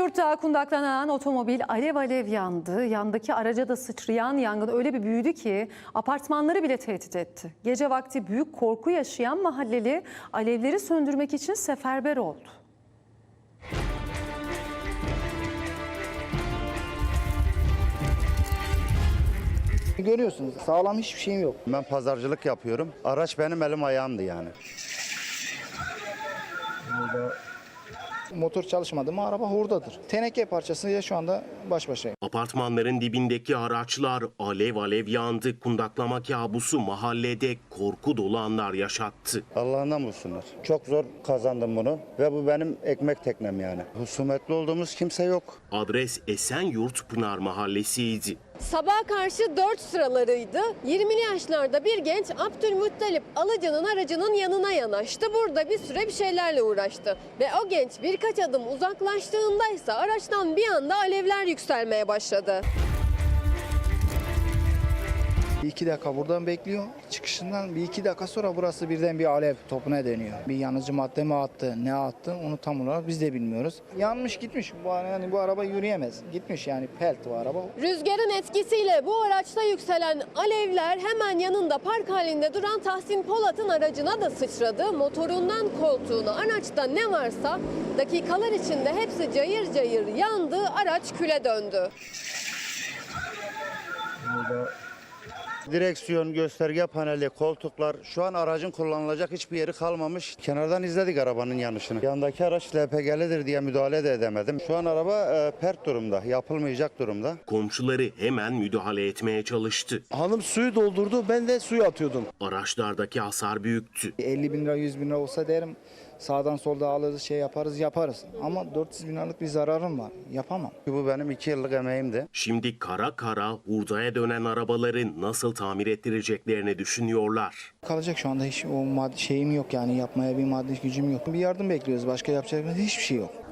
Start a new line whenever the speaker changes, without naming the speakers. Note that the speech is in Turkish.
Esenyurt'ta kundaklanan otomobil alev alev yandı. Yandaki araca da sıçrayan yangın öyle bir büyüdü ki apartmanları bile tehdit etti. Gece vakti büyük korku yaşayan mahalleli alevleri söndürmek için seferber oldu.
Görüyorsunuz, sağlam hiçbir şeyim yok.
Ben pazarcılık yapıyorum. Araç benim elim ayağımdı yani.
Motor çalışmadı mı araba hurdadır. Teneke parçasıyla şu anda baş başayım.
Apartmanların dibindeki araçlar alev alev yandı. Kundaklama kabusu mahallede korku dolu anlar yaşattı.
Allah'ından bulsunlar. Çok zor kazandım bunu ve bu benim ekmek teknem yani. Husumetli olduğumuz kimse yok.
Adres Esenyurt Pınar Mahallesi'ydi.
Sabaha karşı 4 sıralarıydı. 20'li yaşlarda bir genç Abdülmuttalip Alıcı'nın aracının yanına yanaştı. Burada bir süre bir şeylerle uğraştı. Ve o genç birkaç adım uzaklaştığında ise araçtan bir anda alevler yükselmeye başladı.
2 dakika buradan bekliyor. Çıkışından 1-2 dakika sonra burası birden bir alev topuna dönüyor. Bir yanıcı madde mi attı, ne attı onu tam olarak biz de bilmiyoruz. Yanmış gitmiş. Bu araba yürüyemez. Gitmiş yani pelt bu araba.
Rüzgarın etkisiyle bu araçta yükselen alevler hemen yanında park halinde duran Tahsin Polat'ın aracına da sıçradı. Motorundan koltuğuna, araçta ne varsa dakikalar içinde hepsi cayır cayır yandı, araç küle döndü.
Direksiyon, gösterge paneli, koltuklar, şu an aracın kullanılacak hiçbir yeri kalmamış. Kenardan izledik arabanın yanışını. Yandaki araç LPG'lidir diye müdahale de edemedim. Şu an araba pert durumda, yapılmayacak durumda.
Komşuları hemen müdahale etmeye çalıştı.
Hanım suyu doldurdu, ben de suyu atıyordum.
Araçlardaki hasar büyüktü.
50 bin lira 100 bin lira olsa derim sağdan solda alırız şey yaparız. Ama 400 bin liralık bir zararım var. Yapamam.
Bu benim 2 yıllık emeğimdi.
Şimdi kara kara hurdaya dönen arabaları nasıl tamir ettireceklerini düşünüyorlar.
Kalacak şu anda hiç o maddi şeyim yok yani yapmaya bir maddi gücüm yok. Bir yardım bekliyoruz. Başka yapacak hiçbir şey yok.